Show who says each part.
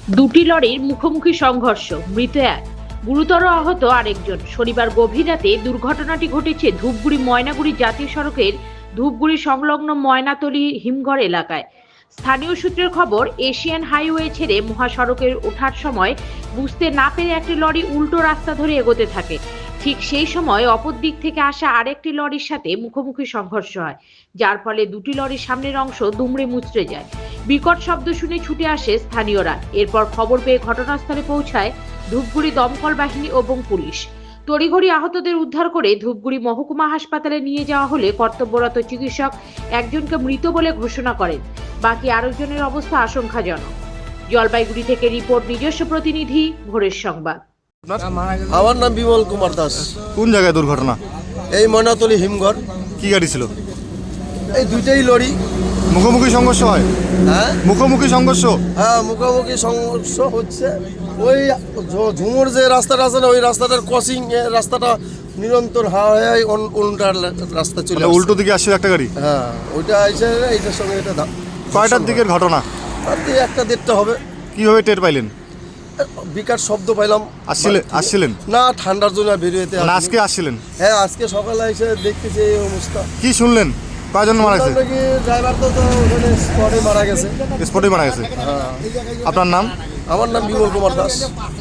Speaker 1: দুটি লরির মুখোমুখি সংঘর্ষ, মৃত এক, গুরুতর আহত আরেকজন। শনিবার গভীর রাতে দুর্ঘটনাটি ঘটেছে ধূপগুড়ি ময়নাগুড়ি জাতীয় সড়কের ধূপগুড়ি সংলগ্ন ময়নাতলী হিমঘর এলাকায়। স্থানীয় সূত্রের খবর, এশিয়ান হাইওয়ে ছেড়ে মহাসড়কের ওঠার সময় বুঝতে না পেরে একটি লরি উল্টো রাস্তা ধরে এগোতে থাকে। ঠিক সেই সময় অপর দিক থেকে আসা আরেকটি লরির সাথে মুখোমুখি সংঘর্ষ হয়, যার ফলে দুটি লরির সামনের অংশ দুমড়ে মুচড়ে যায়। বিকট শব্দ শুনে ছুটে আসে স্থানীয়রা। এরপর খবর পেয়ে ঘটনাস্থলে পৌঁছায় ধূপগুড়ি দমকল বাহিনী এবং পুলিশ। তড়িঘড়ি আহতদের উদ্ধার করে ধূপগুড়ি মহকুমা হাসপাতালে নিয়ে যাওয়া হলে কর্তব্যরত চিকিৎসক একজনকে মৃত বলে ঘোষণা করেন। বাকি আরেকজনের অবস্থা আশঙ্কাজনক। জলপাইগুড়ি থেকে রিপোর্ট, নিজস্ব প্রতিনিধি, ভোরের সংবাদ।
Speaker 2: আমার নাম বিমল কুমার দাস।
Speaker 3: কোন জায়গায় দুর্ঘটনা?
Speaker 2: এই ময়নাতলী হিমঘর।
Speaker 3: কি গাড়ি ছিল?
Speaker 2: এই দুইটাই লরি।
Speaker 3: মুখোমুখি সংঘর্ষ হয়?
Speaker 2: হ্যাঁ,
Speaker 3: মুখোমুখি সংঘর্ষ।
Speaker 2: হ্যাঁ, মুখোমুখি সংঘর্ষ হচ্ছে। ওই ঝুমুর যে রাস্তাটা আছে না, ওই রাস্তাটার ক্রসিং রাস্তাটা নিরন্তর হাওয়ায় উল্টার রাস্তা চলে আসছে।
Speaker 3: উল্টো দিকে আসছে একটা গাড়ি।
Speaker 2: হ্যাঁ, ওইটা এসে এইটার সঙ্গে এটা
Speaker 3: কয়টার দিকের ঘটনা?
Speaker 2: রাত্রি 1টা-1:30 হবে।
Speaker 3: কিভাবে টের পাইলেন?
Speaker 2: বিকার শব্দ পাইলাম।
Speaker 3: আসছিলেন
Speaker 2: না, ঠান্ডার জন্য বেরিয়েতে।
Speaker 3: আজকে আসছিলেন?
Speaker 2: হ্যাঁ, আজকে সকালে এসে দেখতেছি এই অবস্থা।
Speaker 3: কি শুনলেন? কয়জন মারা গেছে?
Speaker 2: ড্রাইভার তো ওখানে স্পটে মারা গেছে।
Speaker 3: স্পটে মারা গেছে।
Speaker 2: হ্যাঁ।
Speaker 3: আপনার নাম?
Speaker 2: আমার নাম বিমল কুমার দাস।